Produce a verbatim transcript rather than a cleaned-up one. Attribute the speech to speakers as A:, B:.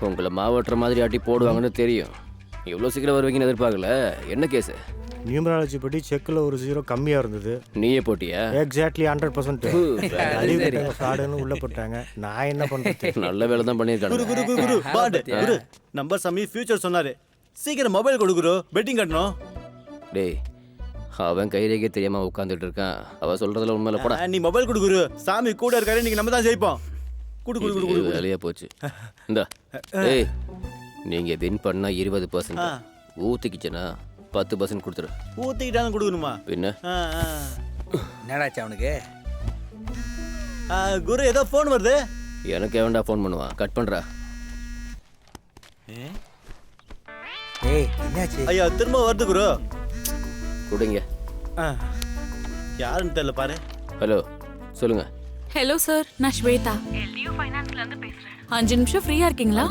A: உங்களை மாவட்டுற மாதிரி ஆட்டி போடுவாங்கன்னு தெரியும். இவ்வளோ சீக்கிரம் வருவீங்கன்னு எதிர்பார்க்கல. என்ன கேஸு?
B: நியூமராலஜி படி செக்கில் ஒரு ஜீரோ கம்மியாக இருந்தது.
A: நீயே போட்டியா?
B: எக்ஸாக்ட்லி ஹண்ட்ரட் பர்சன்ட் ஃப்ராடுன்னு உள்ள போட்டாங்க. நான் என்ன பண்ணுறது?
A: நல்ல வேலை தான்
C: குரு குரு
A: பண்ணியிருக்காங்க.
C: குரு குரு பாட் குரு நம்பர் சாமி ஃபியூச்சர் சொன்னாரு. சீக்கிரம் மொபைல் கொடு குரு, பெட்டிங் கட்டணும்.
A: டேய், அவன் கைரேகே தெரியாம உட்காந்துட்டு இருக்கான். அவ சொல்றதுல உண்மையில போட
C: ஆ, நீ மொபைல் கொடு குரு. சாமி கூட இருக்காரு, இன்னைக்கு நம்ம தான் ஜெயிப்போம். குடு குடு குடு குடு
A: வேலையா போச்சு. இந்த ஏய், நீங்க வின் பண்ணா இருபது பர்சன்ட், ஊத்திக்கிச்சனா பத்து பர்சன்ட் கொடுத்துரு.
C: ஊத்திக்கிட்டாலும் கொடுக்கணுமா?
A: பின்ன
C: ஆ, ஆ.
D: என்னடாச்சு அவனுக்கு?
C: ஆ, குரு ஏதோ ஃபோன் வருது.
A: எனக்கு எவன்டா ஃபோன் பண்ணுவான்? கட் பண்றா.
D: ஏய் என்னாச்சு?
C: ஐயா திரும்ப வருது குரு.
A: கொடுங்க.
C: ஆ, யாருன்னு தெரியல பாரு.
A: ஹலோ, சொல்லுங்க.
E: ஹலோ சார், நான் ஸ்வேதா எல்டியூ ஃபைனான்ஸ்ல இருந்து பேசுறேன். அஞ்சு நிமிஷம் ஃப்ரீயா இருக்கீங்களா?